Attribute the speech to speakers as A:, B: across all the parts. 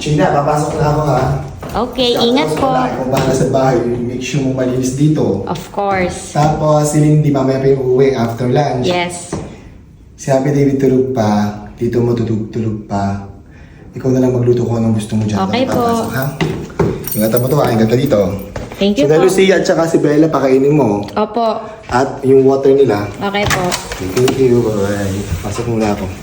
A: China, papasok na ako ha.
B: Okay, ingat po.
A: Kung bahala sa bahay, make sure mo malinis dito.
B: Of course.
A: Tapos, si Lindy mamaya pa yung uuwi after lunch.
B: Yes.
A: Si Happy David tulog pa. Tito mo tulog pa. Ikaw na lang magluto kung anong gusto mo dyan.
B: Okay po.
A: Papasok, ha? Ingatan mo to ha. Ingatan dito.
B: Thank you
A: So,
B: po.
A: Lucia at saka si Bella, pakainin mo.
B: Opo.
A: At yung water nila.
B: Okay po.
A: Thank you. Bye-bye. Pasok muna ako.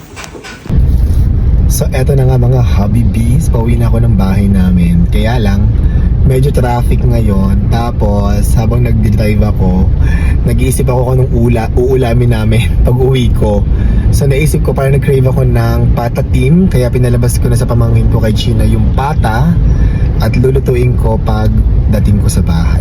A: So, eto na nga mga hobby bees. Pauwi na ako ng bahay namin. Kaya lang, medyo traffic ngayon. Tapos, habang nag-drive ako, nag-iisip ako kung anong uulamin namin pag uwi ko. So, naisip ko, parang nag-crave ako ng pata team. Kaya pinalabas ko na sa pamangkin ko kay China yung pata. At lulutuin ko pag dating ko sa bahay.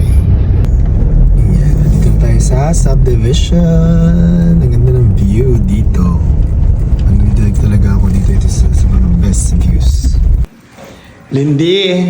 A: Ayan, nandito tayo sa subdivision. Ang ganda ng view dito. Nag-drive talaga ako dito. Ito sa mga best views. Lindy!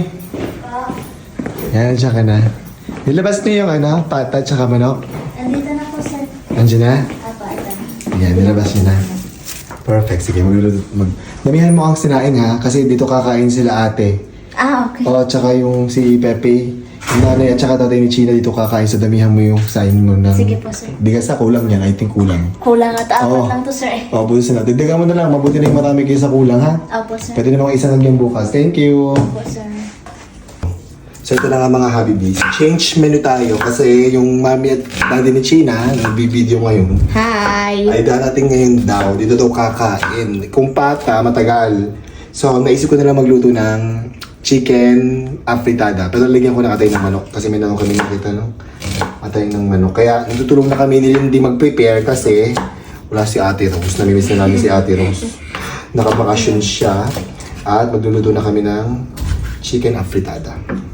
A: Yan, siya ka na. Nilabas niyo yung pata tsaka manok.
C: Andito na po, sir.
A: Nandiyan na?
C: Apo, ito na.
A: Yan, nilabas niyo na. Perfect. Sige, damihan mo ang sinain ha. Kasi dito kakain sila ate.
C: Ah, okay.
A: Oo, tsaka yung si Pepe. Yung nanay at saka tatay ni China dito kakain. So damihan mo yung sain mo na.
C: Sige po, sir.
A: Bigas na kulang yan. I think kulang.
C: Kulang at apat
A: Oo.
C: lang to, sir.
A: Oo, buti na. Dagdagan mo na lang. Mabuti na yung marami kayo sa kulang ha.
C: Opo, sir.
A: Pwede namang isa lang yung bukas. Thank you.
C: Opo, sir.
A: So ito na nga mga Habibis. Change menu tayo kasi yung mami at daddy ni China nagbibideo ngayon.
B: Hi.
A: Ay darating ngayon daw. Dito daw kakain. Kung pata, matagal. So naisip ko na lang magluto ng chicken afritada. Pero lagyan ko na atay ng manok. Kasi may naman kami nakita, no? Atay ng manok. Kaya natutulong na kami ni Lindy mag-prepare kasi wala si Ate Rose. Namimiss na namin si Ate Rose. Nakabakasyon siya. At magluluto na kami ng chicken afritada.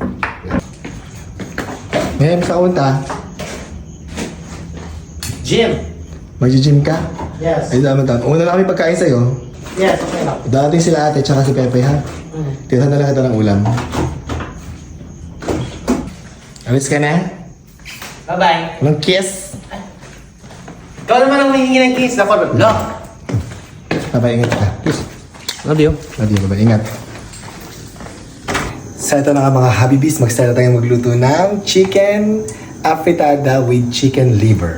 A: Ngayon, sa unta,
D: Jim.
A: mag-gym ka?
D: Yes.
A: Ay, naman tayo. Una na kami pagkain sa'yo.
D: Yes, okay lang.
A: Darating sila ate, tsaka si Pepe, ha? Tira na lang ito ng ulam. Alis ka na?
D: Bye-bye.
A: Anong kiss?
D: Ikaw naman ang humihingi ng kiss. Ako, no.
A: Bye-bye, ingat ka. Kiss.
D: Love you.
A: Love you, bye-bye, ingat. So ito na nga mga Habibis, mag-start na tayong magluto ng chicken afritada with chicken liver.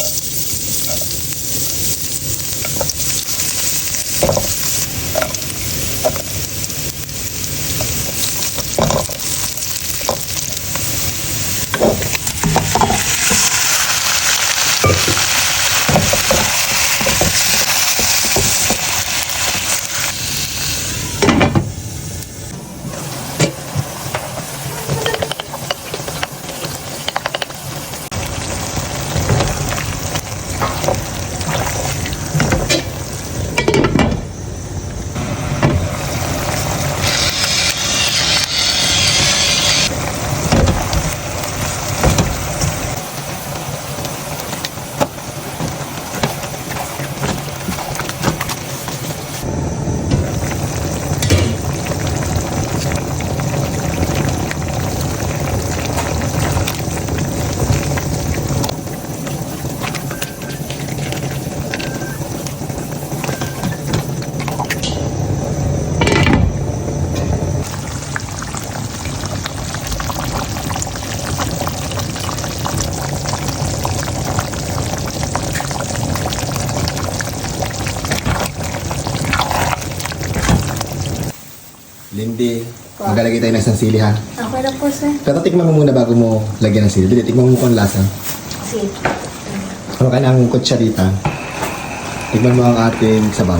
A: Lindy, maglalagay tayo ng isang sili ha.
C: Okay lang po, sir.
A: Pero tikman mo muna bago mo lagyan ng sili. Dili, tikman mo kung ang lasa.
C: Sige.
A: Ano ka ng kutsarita? Tikman mo ang ating sabaw.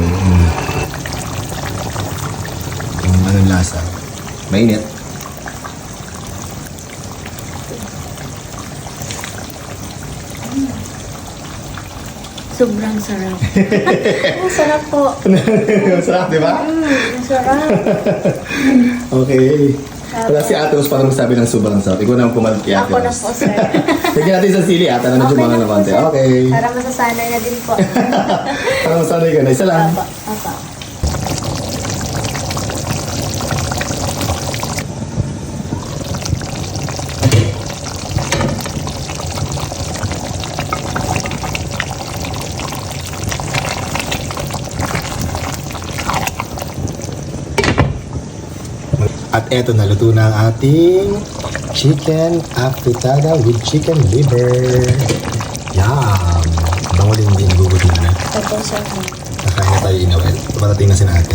A: Kung anong lasa. Mainit.
C: Sobrang sarap. Ang sarap po.
A: Masarap, di ba?
C: Ang sarap.
A: Okay. Wala si Ate Rose parang sabi ng sobrang sarap. Ikaw na ang pumalit kay Ate
C: Ako na
A: Rose.
C: po, sir.
A: Lagyan natin sa sili ata na medyo
C: Okay
A: mga
C: na
A: na
C: po,
A: konti.
C: sir.
A: Okay.
C: Para masasanay na din po.
A: Parang masanay ka na. Isa lang.
C: Apa, apa.
A: At eto, naluto na ang ating chicken afritada with chicken liver. Yum! Bango din nagugutom na.
C: Opo, sir.
A: Nakain na tayo inawel. Parating na si ate.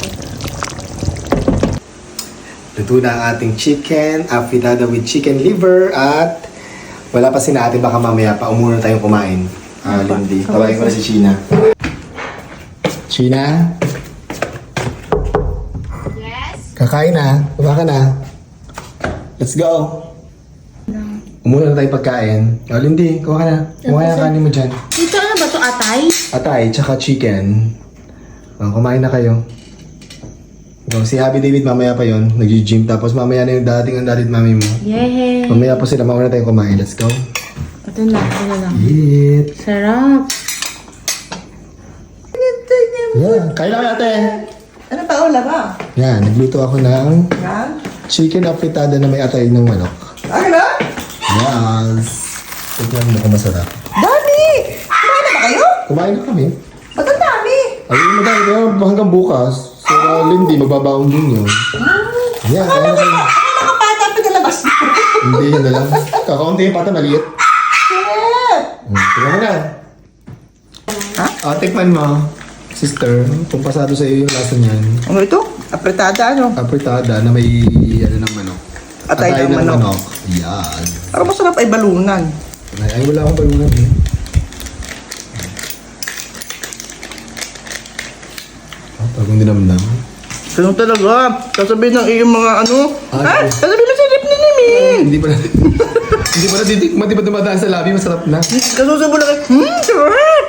A: Luto na ang ating chicken afritada with chicken liver at wala pa si ate, baka mamaya pa umuna tayong kumain. Lindy, tawagin ko na si Sheena. Sheena?
B: Yes?
A: Kakain na. Kuha ka na. Let's go. Umuna na tayo pagkain. Lindy, kuha ka na. Kuha ka na kanin mo dyan.
B: Dito ano ba to atay?
A: Atay, tsaka chicken. Kumain na kayo. Si Happy David mamaya pa yon, nag-gym. Tapos mamaya na yung dating ang dalit mami mo.
B: Yay!
A: Mamaya po sila, mauna tayong kumain. Let's go.
B: Ito na, ito lang.
A: Eat.
B: Sarap.
A: Yeah, kain na kayo ate.
E: Ano ba ulam ba?
A: Yan, nagluto ako ng
E: Yan?
A: chicken afritada na may atay ng manok.
E: Ano ba?
A: Yes. Tignan mo kung masarap.
E: Dami! Kumain na ba kayo?
A: Kumain na kami.
E: Ba't ang dami?
A: Ayun, madami. Pero hanggang bukas. So, Lindy, magbabaon din yun. Yeah, kain na kayo.
E: Ano mga pata pinalabas mo?
A: Hindi, yun na lang. Kakaunti yung pata, maliit.
E: Shit!
A: Tingnan mo na. Tikman mo. Sister, kung pasado sa iyo yung lasa niyan.
E: Ano ito? Apretada ano?
A: Apritada na may ano ng manok.
E: Atay ng manok.
A: Yan.
E: Parang masarap ay balunan.
A: Ay, wala akong balunan eh. Pagong dinamdam.
E: Ganun talaga. Sasabihin ng iyong mga ano.
A: Ah,
E: Ha? Sasabihin mo sa lip ni Nimi.
A: Hindi pa natin. Hindi pa natitikman, di ba dumadaan sa labi, masarap na.
E: Kasusubo na kayo. Sarap!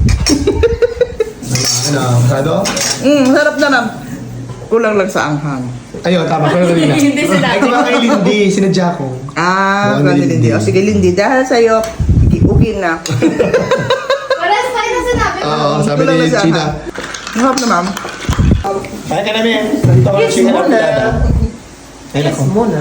A: Ano, masado?
E: Sarap na lang. Kulang lang sa anghang.
A: Ayun, tama, pero kanina.
B: Hindi sinabi.
A: Ay, kuha kay Lindy, sinadya ko.
E: Ano
A: Lindy.
E: Lindy? O sige Lindy, dahil sa'yo, okay na.
B: Wala sa kayo na sinabi ko.
A: Oo, sabi
E: Kulang
A: ni
E: lang sa
A: China.
E: anghang. Sarap na ma'am.
A: Kaya ka namin. Nandito ka chicken apritada. Ay, nako.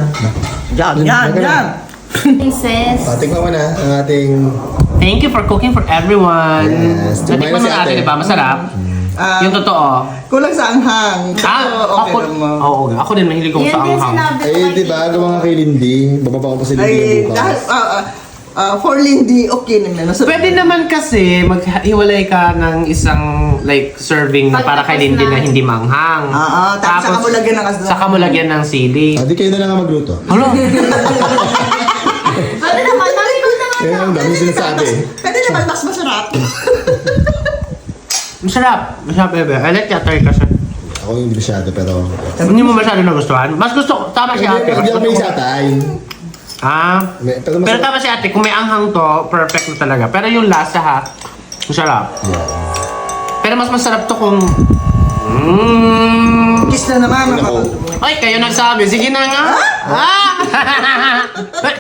E: Yan.
B: Princess.
A: Tingnan mo na ang ating...
D: Thank you for cooking for everyone.
A: Yes.
D: Natikman mo
A: Si
D: natin,
A: ate.
D: di ba? Masarap.
E: Ah,
D: Yung totoo.
E: Kulang sa anghang.
D: Ako,
E: Okay lang mo.
D: oo, ako din mahilig ako
B: Yan
D: sa
B: din
D: anghang.
B: sinabi ko.
A: Ay, di ba? Gawa nga kay Lindy. Bababa ko pa si Lindy
E: Ay,
A: ng
E: dahil,
A: bukas.
E: for Lindy, okay naman. Masarap.
D: Pwede naman kasi maghiwalay ka ng isang like serving na para kay Lindy na hindi manghang.
E: Oo, tapos saka mo lagyan ng asda.
D: Saka mo lagyan ng sili.
A: Di kayo na lang ang magluto.
D: Hello?
B: Ano naman? Mami ko naman.
A: Yan ang dami sinasabi.
E: Pwede naman mas masarap.
D: Masarap. Masarap, bebe. I like that kasi.
A: Ako hindi masyado, pero...
D: Hindi mo masyado nagustuhan? Mas gusto ko, tama si ate.
A: Hindi ako may satay.
D: Ah.
A: Pero
D: Pero
A: masarap.
D: tama si ate, kung may anghang to, perfect na talaga. Pero yung lasa ha, masarap. Pero mas masarap to kung...
E: Kiss na naman.
A: Ako.
D: Ay, kayo nagsabi. Sige na nga. Ah!